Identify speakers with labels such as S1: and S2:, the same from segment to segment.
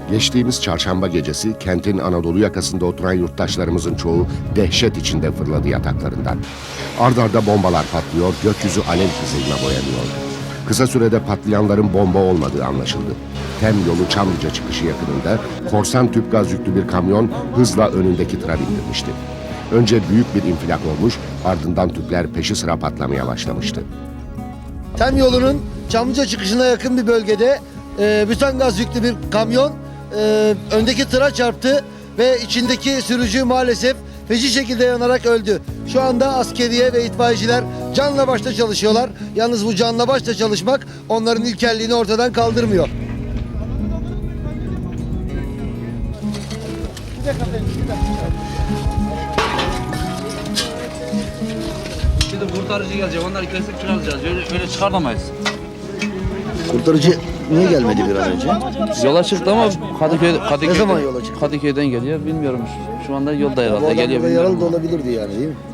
S1: Geçtiğimiz çarşamba gecesi kentin Anadolu yakasında oturan yurttaşlarımızın çoğu dehşet içinde fırladı yataklarından. Ard arda bombalar patlıyor, gökyüzü alev kızılına boyanıyordu. Kısa sürede patlayanların bomba olmadığı anlaşıldı. Tem yolu Çamlıca çıkışı yakınında korsan tüp gaz yüklü bir kamyon hızla önündeki tıra bindirmişti. Önce büyük bir infilak olmuş, ardından tüpler peşi sıra patlamaya başlamıştı.
S2: Tem yolunun Çamlıca çıkışına yakın bir bölgede bütan gaz yüklü bir kamyon öndeki tıra çarptı ve içindeki sürücü maalesef feci şekilde yanarak öldü. Şu anda askeriye ve itfaiyeciler canla başla çalışıyorlar. Yalnız bu canla başla çalışmak onların ilkelliğini ortadan kaldırmıyor.
S3: Şimdi kurtarıcı gelecek, onlar kesip çıkaracağız. Öyle çıkartamayız.
S2: Kurtarıcı niye gelmedi bir an önce?
S3: Yola çıktı ama Kadıköy'den,
S2: Ne zaman yola çıktı?
S3: Kadıköy'den geliyor, bilmiyorum. Şu anda yolda
S2: Bu
S3: herhalde
S2: adam
S3: geliyor.
S2: burada
S3: Bilmiyorum.
S2: yaralı da olabilirdi yani, değil mi?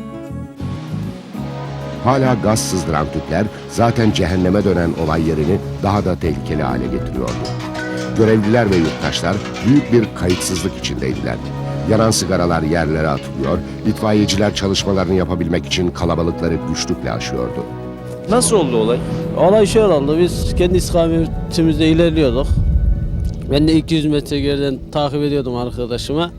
S1: Hala gaz sızdıran tüpler zaten cehenneme dönen olay yerini daha da tehlikeli hale getiriyordu. Görevliler ve yurttaşlar büyük bir kayıtsızlık içindeydiler. Yanan sigaralar yerlere atılıyor, itfaiyeciler çalışmalarını yapabilmek için kalabalıkları güçlükle aşıyordu.
S4: Nasıl oldu olay?
S5: Olay şöyle oldu. Biz kendi istikametimizde ilerliyorduk. Ben de 200 metre geriden takip ediyordum arkadaşıma.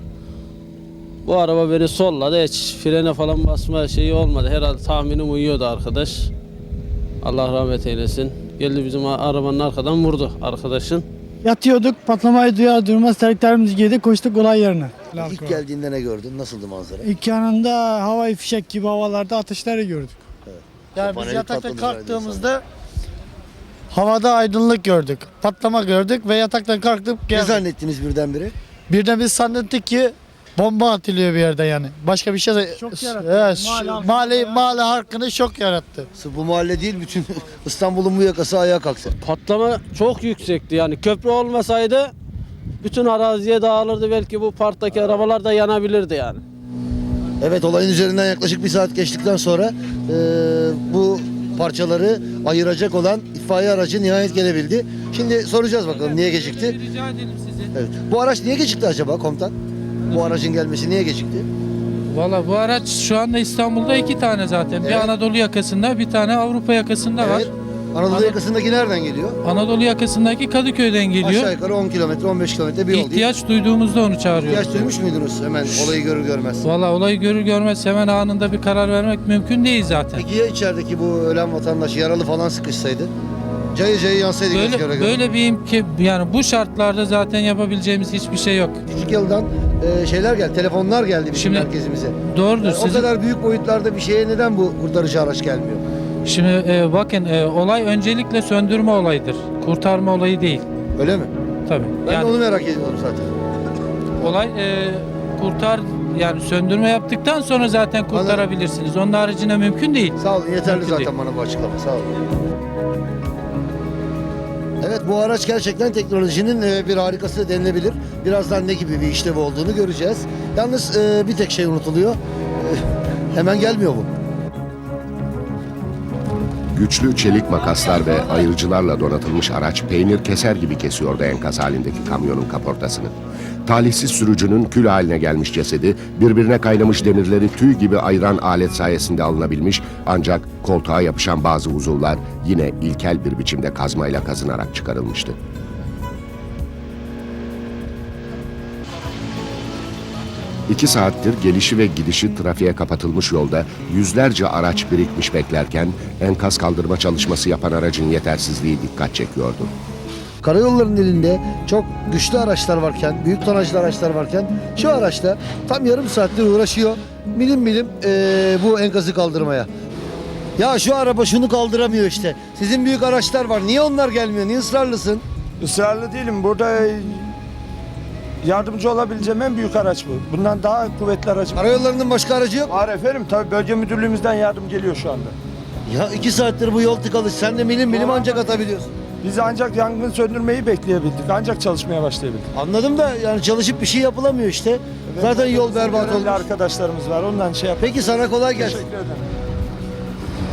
S5: Bu araba beni solladı. Hiç frene falan basma şeyi olmadı. Herhalde tahminim uyuyordu arkadaş. Allah rahmet eylesin. Geldi bizim arabanın arkadan vurdu arkadaşın.
S6: Yatıyorduk, patlamayı duyar durmaz terliklerimizi giydik, koştuk olay yerine.
S2: İlk geldiğinde ne gördün? Nasıldı manzara?
S6: İlk yanında havai fişek gibi havalarda ateşleri gördük. Yani biz
S2: Paneli
S6: yatakta
S2: patladı
S6: kalktığımızda havada aydınlık gördük, patlama gördük ve yataktan kalktık
S2: Ne
S6: geldik.
S2: zannettiniz birdenbire?
S6: Birden biz zannettik ki bomba atılıyor bir yerde yani. Başka bir şey de Şok yarattı. Evet, mahalle halkını şok yarattı.
S2: Sırf bu mahalle değil, bütün İstanbul'un bu yakası ayağa kalktı.
S5: Patlama çok yüksekti yani. Köprü olmasaydı bütün araziye dağılırdı. Belki bu parktaki arabalar da yanabilirdi yani.
S2: Evet, olayın üzerinden yaklaşık bir saat geçtikten sonra bu parçaları ayıracak olan itfaiye aracı nihayet gelebildi. Şimdi soracağız bakalım niye gecikti?
S7: Rica edelim sizi.
S2: Evet. Bu araç niye gecikti acaba komutan? Bu aracın gelmesi niye gecikti?
S7: Valla bu araç şu anda İstanbul'da 2 tane zaten.
S2: Evet.
S7: Bir Anadolu yakasında, bir tane Avrupa yakasında var.
S2: Evet. Anadolu yakasındaki nereden geliyor?
S7: Anadolu yakasındaki Kadıköy'den
S2: Aşağı
S7: geliyor.
S2: yukarı 10 kilometre, 15 kilometre bir yol değil.
S7: İhtiyaç duyduğumuzda onu çağırıyoruz.
S2: İhtiyaç duymuş muydunuz hemen olayı görür görmez?
S7: Valla olayı görür görmez hemen anında bir karar vermek mümkün değil zaten.
S2: Peki ya içerideki bu ölen vatandaş yaralı falan sıkışsaydı? Cayır cayır yansaydı göz göre göre.
S7: Böyle bir yani bu şartlarda zaten yapabileceğimiz hiçbir şey yok.
S2: Küçük yıldan şeyler geldi, telefonlar geldi bizim
S7: Şimdi-
S2: merkezimize.
S7: Doğrudur.
S2: Yani o
S7: Sizin-
S2: kadar büyük boyutlarda bir şeye neden bu kurtarıcı araç gelmiyor?
S7: Şimdi bakın olay öncelikle söndürme olayıdır. Kurtarma olayı değil.
S2: Öyle mi?
S7: Tabii.
S2: Ben
S7: Yani
S2: de onu merak ediyorum zaten.
S7: olay yani söndürme yaptıktan sonra zaten kurtarabilirsiniz. Onun haricinde mümkün değil.
S2: Sağ olun, yeterli
S7: Mümkün
S2: zaten
S7: değil.
S2: bana bu açıklama. Sağ olun. Evet, bu araç gerçekten teknolojinin bir harikası denilebilir. Birazdan ne gibi bir işlevi olduğunu göreceğiz. Yalnız bir tek şey unutuluyor. Hemen gelmiyor bu.
S1: Güçlü çelik makaslar ve ayırıcılarla donatılmış araç peynir keser gibi kesiyordu enkaz halindeki kamyonun kaportasını. Talihsiz sürücünün kül haline gelmiş cesedi birbirine kaynamış demirleri tüy gibi ayıran alet sayesinde alınabilmiş, ancak koltuğa yapışan bazı uzuvlar yine ilkel bir biçimde kazmayla kazınarak çıkarılmıştı. İki saattir gelişi ve gidişi trafiğe kapatılmış yolda yüzlerce araç birikmiş beklerken enkaz kaldırma çalışması yapan aracın yetersizliği dikkat çekiyordu.
S2: Karayollarının elinde çok güçlü araçlar varken, büyük tonajlı araçlar varken şu araçta tam yarım saattir uğraşıyor. Milim milim bu enkazı kaldırmaya. Ya şu araba şunu kaldıramıyor işte. Sizin büyük araçlar var. Niye onlar gelmiyor? Niye ısrarlısın?
S8: Israrlı değilim. Burada yardımcı olabileceğim en büyük araç bu. Bundan daha kuvvetli araç
S2: Karayollarının başka aracı yok.
S8: var efendim. Tabii bölge müdürlüğümüzden yardım geliyor şu anda.
S2: Ya 2 saattir bu yol tıkalı. Sen de milim milim ancak atabiliyorsun.
S8: Biz ancak yangın söndürmeyi bekleyebildik. Ancak çalışmaya başlayabildik.
S2: Anladım da yani çalışıp bir şey yapılamıyor işte. Zaten yol berbat
S8: Görevli
S2: olmuş.
S8: arkadaşlarımız var. Ondan şey yap.
S2: Peki sana kolay gelsin.
S8: Teşekkür ederim.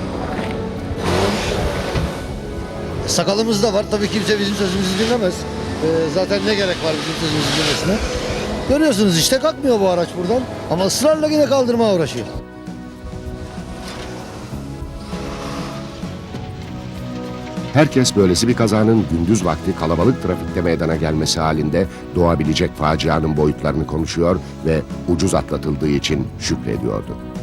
S2: Sakalımız da var. Tabii kimse bizim sözümüzü dinlemez. Zaten ne gerek var bizim sözümüzün dinlemesine. Görüyorsunuz işte kalkmıyor bu araç buradan. Ama ısrarla yine kaldırmaya uğraşıyor.
S1: Herkes böylesi bir kazanın gündüz vakti kalabalık trafikte meydana gelmesi halinde doğabilecek facianın boyutlarını konuşuyor ve ucuz atlatıldığı için şükrediyordu.